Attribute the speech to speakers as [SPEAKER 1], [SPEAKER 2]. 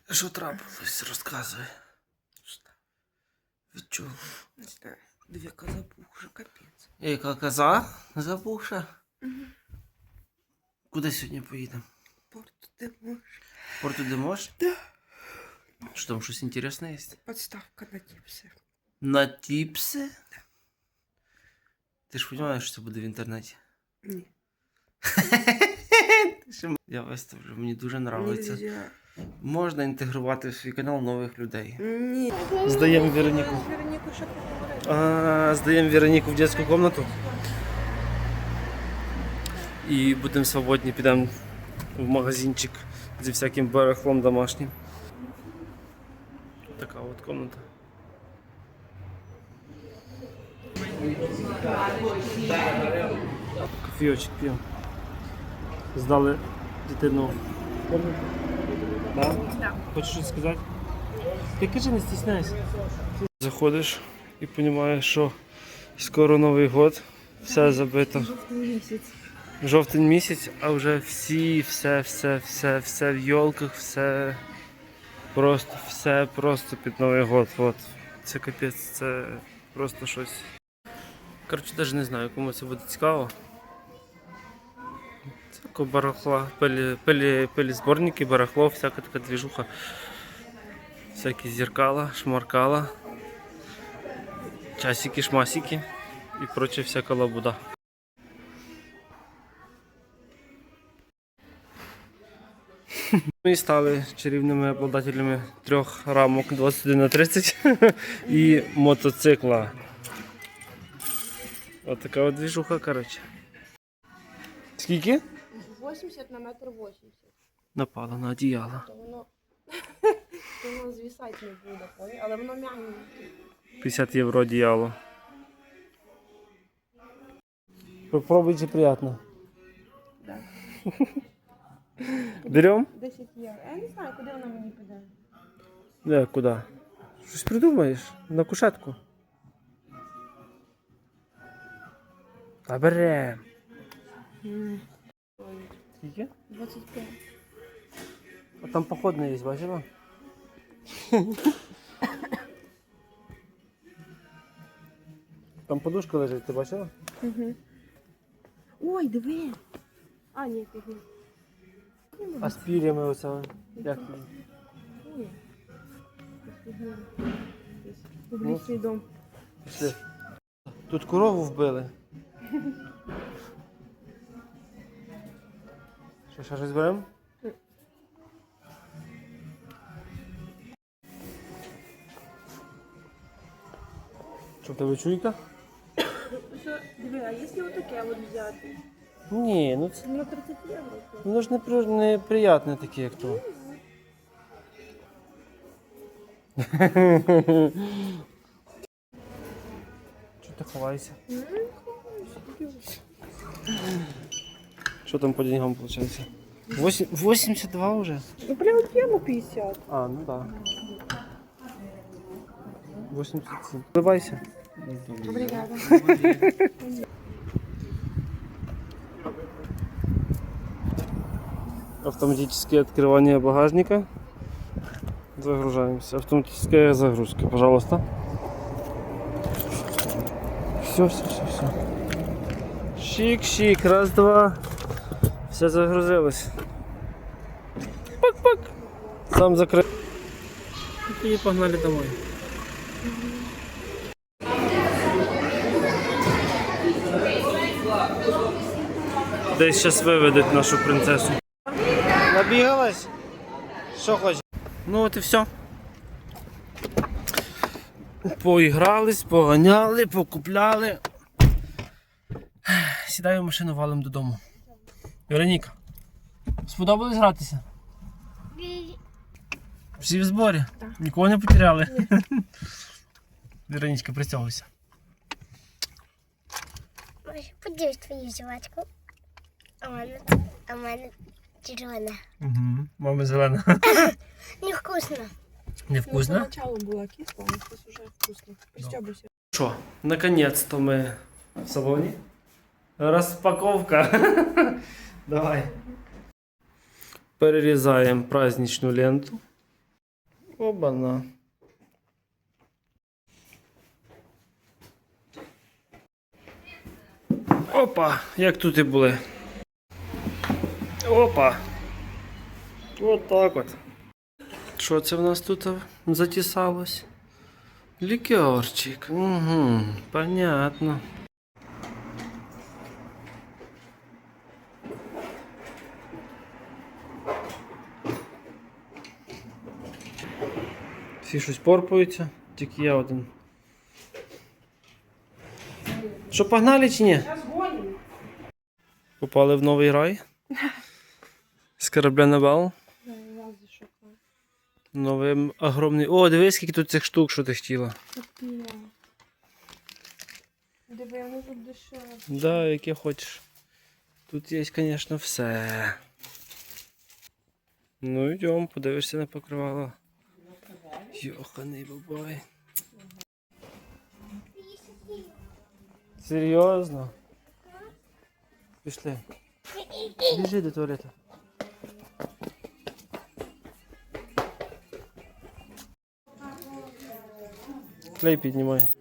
[SPEAKER 1] Що трапилось? Розказуй. Відчув.
[SPEAKER 2] Не знаю. Дві коза пухша, капець.
[SPEAKER 1] Яка коза запухша? Куди сьогодні поїдемо?
[SPEAKER 2] Порт де можеш.
[SPEAKER 1] Порту де можеш?
[SPEAKER 2] Да.
[SPEAKER 1] Що там, щось інтересне є?
[SPEAKER 2] Подставка на тіпси.
[SPEAKER 1] На тіпси? Ти ж розумієш, що це буде в інтернеті?
[SPEAKER 2] Ні.
[SPEAKER 1] Я виставлю, мені дуже подобається.
[SPEAKER 2] Нельзя.
[SPEAKER 1] Можна інтегрувати в свій канал нових людей.
[SPEAKER 2] Ні.
[SPEAKER 1] Здаємо Вероніку.
[SPEAKER 2] Вероніку ще поговорити.
[SPEAKER 1] Здаємо Вероніку в дитячу кімнату. І будемо свободні, підемо в магазинчик зі всяким барахлом домашнім. Така от кімната. Кофійочок п'ємо. Здали дитину. Да?
[SPEAKER 2] Да.
[SPEAKER 1] Хочеш щось сказати? Ти кажи, не стісняйся. Заходиш і розумієш, що скоро Новий год, все забито.
[SPEAKER 2] Жовтий місяць.
[SPEAKER 1] Жовтень місяць, а вже все в йолках, все під Новий год. От. Це капець, це просто щось. Коротше, навіть не знаю, кому це буде цікаво. Це такого барахла, пилі зборники, барахло, всяка така двіжуха. Всякі зеркала, шмаркала, часики, шмасики і проче всяка лабуда. Ми стали чарівними обладателями 3 рамок 21х30 і мотоцикла. Ось така от двіжуха, коротше. Скільки?
[SPEAKER 3] 80 на метр 80.
[SPEAKER 1] Напала на одіяло.
[SPEAKER 3] То воно звісати не буде, поняв? Але воно м'ягеньке.
[SPEAKER 1] 50 євро одіяло. Попробуй, чи приємно.
[SPEAKER 3] Да.
[SPEAKER 1] Берем?
[SPEAKER 3] 10 євро. Я не знаю, куди воно мені піде.
[SPEAKER 1] Не, куди? Щось придумаєш? На кушетку. Та берем. Скільки?
[SPEAKER 3] 25.
[SPEAKER 1] А там походний є, бачила? Там подушка лежить, ти бачила?
[SPEAKER 3] Угу. Ой, диви. А, ні, тут ні.
[SPEAKER 1] А з пір'ями оце. Як?
[SPEAKER 3] Ой. Публічний дом.
[SPEAKER 1] Пішли. Тут корову вбили. Що, ще щось беремо? Що, в тебе чуйка?
[SPEAKER 3] Що, диви, а якщо отаке от взяти?
[SPEAKER 1] Ні, ну це
[SPEAKER 3] На 30 євро.
[SPEAKER 1] воно ж неприятне таке, як то. Чого ти ховаєшся? Що там по деньгам виходить? 82 вже?
[SPEAKER 3] Ну, прямо п'ємо 50.
[SPEAKER 1] А, ну так. 87. Вливайся.
[SPEAKER 3] Обригада.
[SPEAKER 1] Автоматическое открывание багажника. Загружаемся. Автоматическая загрузка, пожалуйста. Все. Шик. Раз, два. Все загрузилось. Пак. Сам закрыл. И погнали домой. Десь зараз виведуть нашу принцесу. Набігалась? Що хочеш? Ну от і все. Поігрались, поганяли, покупляли. Сідаю в машину, валим додому. Вероніка, сподобалось гратися? Всі в зборі?
[SPEAKER 3] Так.
[SPEAKER 1] Нікого не потеряли? Веронічка, пристягуйся.
[SPEAKER 4] Подивись твою жвачку. А в мене червона.
[SPEAKER 1] Угу. Мама зелена.
[SPEAKER 4] Невкусно.
[SPEAKER 1] Невкусно?
[SPEAKER 3] Поначалу була кисла, а зараз вже вкусно. Пристьобуйся.
[SPEAKER 1] Що, наконец-то ми в салоні. Розпаковка. Давай. Перерізаємо праздничну ленту. Оба-на. Опа, як тут і були. Опа. От так от. Що це в нас тут затісалось? Лікерчик. Угу, понятно. Всі щось порпаються, тільки я один. Що, погнали чи ні?
[SPEAKER 3] Зараз гоним.
[SPEAKER 1] Попали в новий рай. З корабля на бал.
[SPEAKER 3] Разве шукаю.
[SPEAKER 1] Новий огромний. О, дивись, скільки тут цих штук, що ти хотіла.
[SPEAKER 3] Такі. Диви, вони тут дешеві.
[SPEAKER 1] Да, яке хочеш. Тут є, звісно, все. Ну йдемо, подивишся на покривало. Йоханий бабай. Серйозно? Пішли. Біжи до туалету. Клей піднімай.